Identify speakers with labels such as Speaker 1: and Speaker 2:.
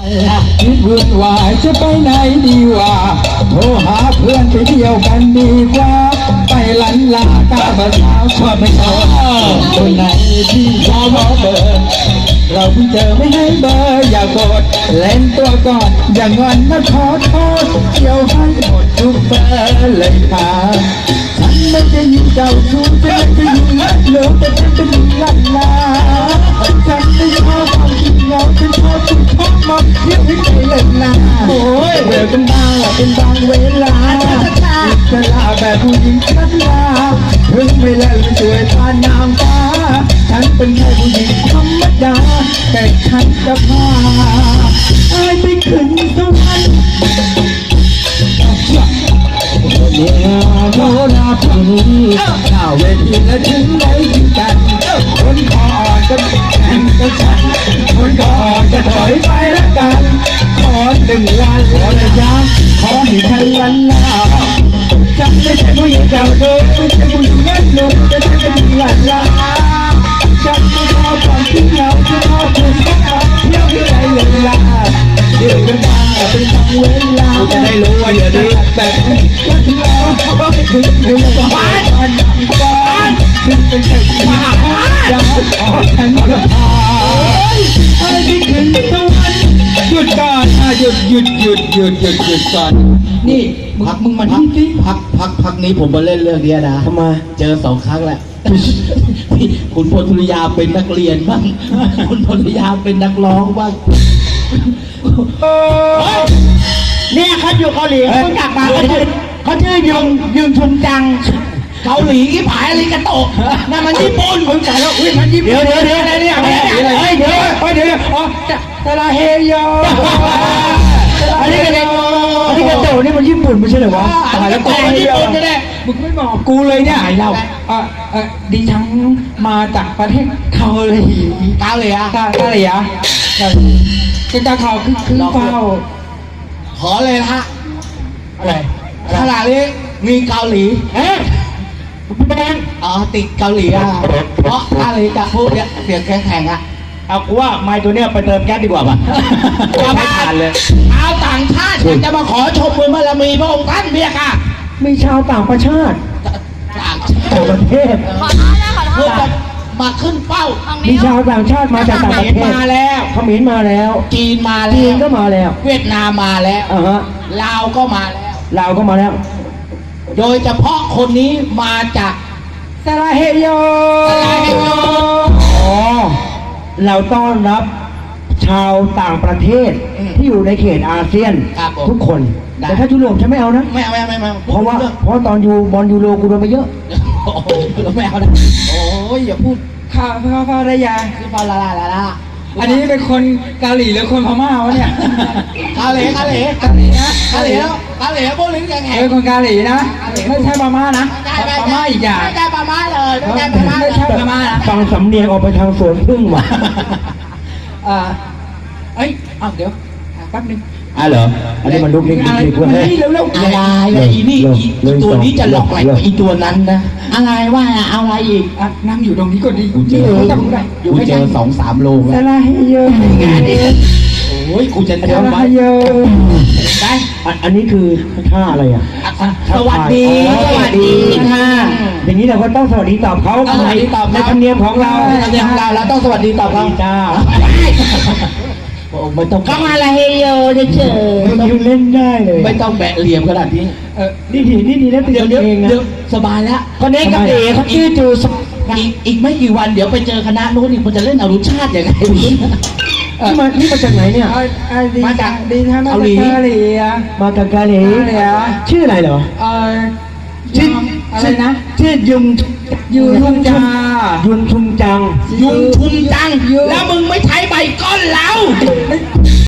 Speaker 1: คิดวุ่นวายจะไปไหนดีวะโทรหาเพื่อนไปเที่ยวกันดีกว่าไปลันลากาบสาวชอบไม่ชอบคนไหนที่ชอบเบอร์เราเพิ่งเจอไม่ให้เบอร์อย่าโกรธเล่นตัวก่อนอย่างงอนนะขอโทษเที่ยวให้หมดทุกเบอร์เลยค่ะฉันไม่ได้ยินเจ้าชู้ฉันไม่ได้ยินรักเหลือแต่ฉันเป็นลันลาฉันไม่ชอบความจริงเหงาฉันชอบคุณพ่อมาเที่ยวให้ใจเล่นนาโอ้ยเบื่อกันบ้างเป็นบางเวลาจะลาแบบผู้หญิงชัดลาถึงไม่เล่นสวยตานางฟ้าฉันเป็นแค่ผู้หญิงธรรมดาแต่ฉันจะพาไอ้ไปขึ้นสวรรค์เนี่ยโนราผู้นี้หน้าเวทีและถึงไหนถึงกันคนคออ่อนก็แข่งกับฉันคนคออ่อนจะถอยไปละกันขอหนึ่งวันขอระยะขอให้ฉันลันลาฉันไม่ใช่ผู้หญิงเก่าเดิมไม่ใช่ผู้หญิงเล่นหนุ่มจะเป็นผู้หญิงลันลาฉันไม่ชอบความที่เหงาฉันชอบคุณพ่อเที่ยวที่ไหนเลยล่ะเดี๋ยวกันมาเป็นบางเวลาจะได้รู้ว่าอย่าดื้อแบบนี้ถึงแล้วถึงบ้านถึงเป็นแค่ที่มาอยากขอฉันก็พาไอ้ที่ขึ้นสวรรค์หยุดก่อนหยุดก่อนนี่มึงมาที่สิ
Speaker 2: พักนี้ผมมาเล่นเรื่องนี้นะ
Speaker 1: ทำไม
Speaker 2: เจอ2 ครั้งแหละคุณพลธุริยาเป็นนักเรียนบ้างคุณพลธุริยาเป็นนักร้องบ้าง
Speaker 1: เนี่ยเขาอยู่เกาหลีเขากลับมาเขาชื่อยุงชุนจัง
Speaker 2: เกาหลีที่ผายอะไรกันโตนั่นมันญี่ปุ่น
Speaker 1: ผมจ่ายแล้วอุ้ยมันญี่ปุ่นเดี๋ยวอะไรเนี่ยเดี๋ยวอ๋อตะลาเฮโยอันนี้กระโดดนี่มันญี่ปุ่นไม่ใช่เหรอวะ
Speaker 2: ตายแล้วญี่ปุ่นจะได้
Speaker 1: มึงไม่บอกกูเลยเนี่ย
Speaker 2: เรา
Speaker 1: ดิฉันมาจากประเทศเกาหลีจะตาเขาคือเฝ้า
Speaker 2: ขอเลยฮะ
Speaker 1: อะไร
Speaker 2: ขนาดนี้มีเกาหลี
Speaker 1: แบง
Speaker 2: ติดเกาหลีเพราะอะไรจะพูดเนี่ยเสียงแข็ง
Speaker 1: เอากูว่าไม้ตัวเนี้ยไปเติมแก๊สดีกว่าป่ะไม่ทันเลย
Speaker 2: เอาต่างชาติจะมาขอชมบุญบารมีพระองค์ท่านเบียค่ะ
Speaker 1: มีชาวต่างประเทศ
Speaker 2: ประเทศเพื่อมาขึ้นเป้า
Speaker 1: มีชาวต่างชาติมาจากต่างประเทศ
Speaker 2: มาแล้ว
Speaker 1: เขมรมาแล้ว
Speaker 2: จีนมาแล้ว
Speaker 1: จีนก็มาแล้ว
Speaker 2: เวียดนามมาแล้วลาวก็มาแล้วโดยเฉพาะคนนี้มาจาก
Speaker 1: สลาเฮโยเราต้อนรับชาวต่างประเทศที่อยู่ในเขตอาเซียนทุกคนแต่ถ้ายุโรปฉันไม่เอานะ
Speaker 2: ไม่
Speaker 1: เพราะตอนอยู่บอลยูโรกูโดนไปเยอะ
Speaker 2: ไม่เอานะโอ้ยอย่าพูด
Speaker 1: ข้าภรรยา
Speaker 2: คือภรรยา
Speaker 1: อันนี้เป็นคนเกาหลีหรือคนพม่าวะเนี่ย
Speaker 2: เกาหลีพวกลิ้นแข็ง
Speaker 1: เป็นคนเกาหลีนะไม่ใช่พม่านะพม่าอีกอย่าง
Speaker 2: ไม่ใช่พม่าเลย
Speaker 1: ไม่ใช่พม่านะฟังสำเนียงออกไปทางสวนพึ่งว่ะเดี๋ยวแป๊บนึง
Speaker 2: เหรอ
Speaker 1: อันนี้มันลุกนิกเพื่อน
Speaker 2: เร็วอะไรอีนี่ตัวนี้จะหลอกอะไรอีตัวนั้นนะอะไรว่าอะไรอีก
Speaker 1: นั่งอยู่ตรงนี้ก่อนดิ
Speaker 2: กูเจอ2-3 โล
Speaker 1: แล้วอะไรเยอะ
Speaker 2: งานนี้โอ้ยกูจะเที่ยวไป
Speaker 1: ได้อันนี้คือท่าอะไร
Speaker 2: สวัสดี
Speaker 1: ค่ะอย่างนี้เราก็ต้องสวัสดีตอบเขาในธรรมเนียมของเรา
Speaker 2: เราต้องสวัสดีตอบเขา
Speaker 1: จ้า
Speaker 2: ไม่ต้อง
Speaker 1: ก็มาละเฮโยเฉยๆเล่นได้เลย
Speaker 2: ไม่ต้องแบะเหลี่ยมขนาดนี้
Speaker 1: นี่ดีนะติดเองนะ
Speaker 2: สบายแล้ว
Speaker 1: คนนี้กับเอ๋เขาชื่อจู
Speaker 2: อีกไม่กี่วันเดี๋ยวไปเจอคณะโน้นอีกมันจะเล่นอรุชาติอย่างไร
Speaker 1: นี่มาจากไหนเนี่ย
Speaker 2: มาจาก
Speaker 1: เกาหลีมาจากเกาหลีชื่ออะไรเหรอชื่ออะไรนะชื่อยุงชุมจัง
Speaker 2: แล้วมึงไม่ใช้ใบก้อนเรา